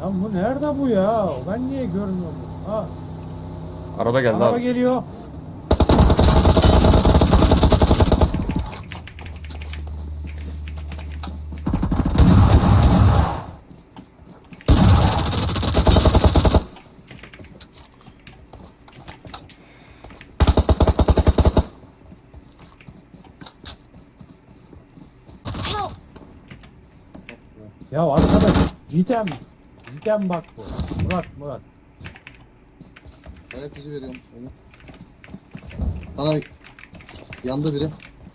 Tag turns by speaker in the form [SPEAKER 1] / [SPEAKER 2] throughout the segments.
[SPEAKER 1] Lan bu nerede bu ya? Ben niye görmüyorum bunu? Ha,
[SPEAKER 2] Araba geldi
[SPEAKER 1] araba
[SPEAKER 2] abi.
[SPEAKER 1] geliyor.
[SPEAKER 3] Help!
[SPEAKER 1] Ya arkadaş, Gidem. Gidem bak bu. Murat.
[SPEAKER 4] Ayak izi veriyorum sana. Ay. Yandı biri.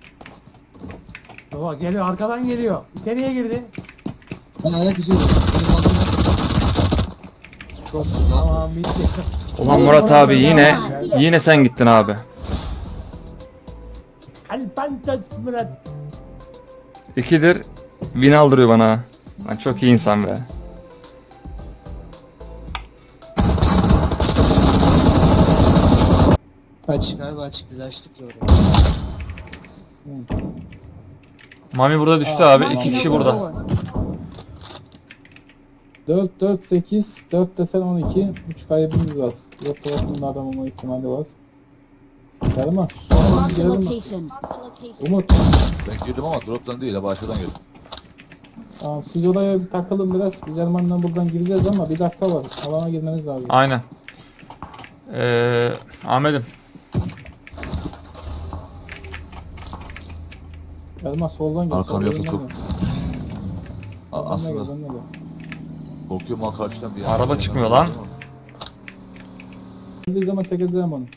[SPEAKER 1] Baba geliyor, arkadan geliyor. İçeriye girdi.
[SPEAKER 4] Ben ayak izi veriyorum. Benim adım ne? Çok güzel.
[SPEAKER 1] Tamam, bitti.
[SPEAKER 2] Ulan Murat abi yine sen gittin abi.
[SPEAKER 1] Alpantaç Murat.
[SPEAKER 2] 2'dir win aldırıyor bana. Lan çok iyi insan be.
[SPEAKER 4] Açık abi açık biz açtık ya orada.
[SPEAKER 2] Mami burada düştü abi. 2 kişi burada.
[SPEAKER 5] 4, 4, 8, 4 desen 12, 3 kaybımız var. Yok tarafında adam olma ihtimali var. Gelme.
[SPEAKER 3] Marked a
[SPEAKER 5] Girelim mi?
[SPEAKER 3] location.
[SPEAKER 5] Umut.
[SPEAKER 6] Ben girdim ama drop'tan değil, başkadan girdim.
[SPEAKER 5] Tamam siz oraya bir takılın biraz. Biz Erman'la buradan gireceğiz ama bir dakika var. Alana girmeniz lazım.
[SPEAKER 2] Aynen. Ahmet'im.
[SPEAKER 5] Erman soldan gel.
[SPEAKER 6] Arkamı
[SPEAKER 5] soldan
[SPEAKER 6] tutup.
[SPEAKER 5] gel.
[SPEAKER 6] A-
[SPEAKER 5] Benle gel,
[SPEAKER 6] Aslında
[SPEAKER 5] benle gel.
[SPEAKER 6] korkuyorum ha karşıdan bir
[SPEAKER 2] Araba çıkmıyor lan.
[SPEAKER 5] Geldiği zaman çekeceğim onu.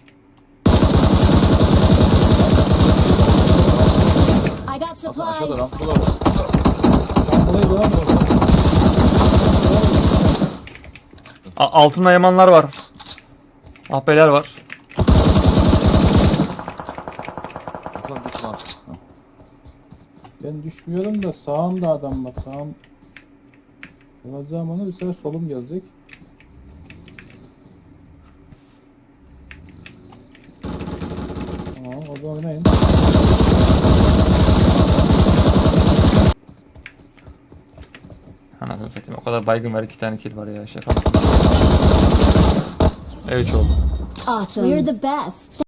[SPEAKER 3] I got
[SPEAKER 6] Aslında aşağıda
[SPEAKER 3] supplies.
[SPEAKER 6] rampalar var.
[SPEAKER 5] Buraya devam et.
[SPEAKER 2] Altında yamanlar var. Ahbeler var.
[SPEAKER 6] Hasan düşman. Ha.
[SPEAKER 5] Ben düşmüyorum da sağımda adam var. Sağım. Alacağım onu bir sefer solum gelecek. Tamam o zaman oynayın.
[SPEAKER 2] Anasını satayım. O kadar baygın var. 2 tane kill var ya. Şaka mısın? Evet oldu.
[SPEAKER 3] Awesome. We're the best.